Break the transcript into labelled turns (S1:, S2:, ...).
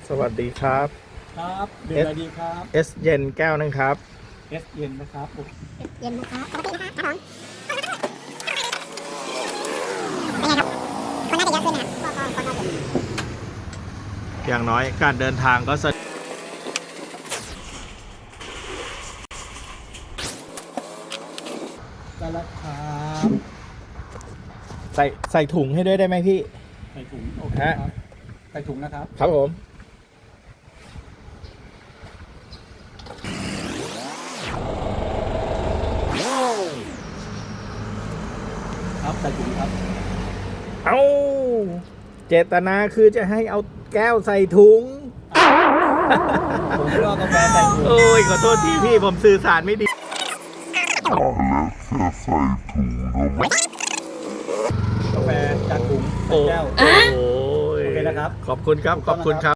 S1: สวัสดีครับ
S2: ครับเดือนอะไรดีครับ
S1: S เย็นแก้วนึงครับ
S2: S เย็นนะครับ
S3: เย็นนะครับปกตินะครับผมเป็นไงครับคนน่าจะเยอะขึ้นนะครับก็
S1: อย่างน้อยการเดินทางก็สะ
S2: ได้แล้วครับ
S1: ใส่ถุงให้ด้วยได้ไหมพี่
S2: ใส่ถุงโอเคครับใส่ถุงนะครับ
S1: ครับผม
S2: ครับใส่ถุงครับ
S1: เอาเจตนาคือจะให้เอาแก้วใส่ถุง
S2: ผมก็กาแฟใส่ถุง
S1: โอ้ยขอโทษทีพี่ผมสื่อสารไม่ดี
S2: กาแฟจากถุงใส่
S1: โอ้
S2: แก้ว
S1: โอ้ย
S2: โอเคนะครับ
S1: ขอบคุณครับ ขอบคุณครับ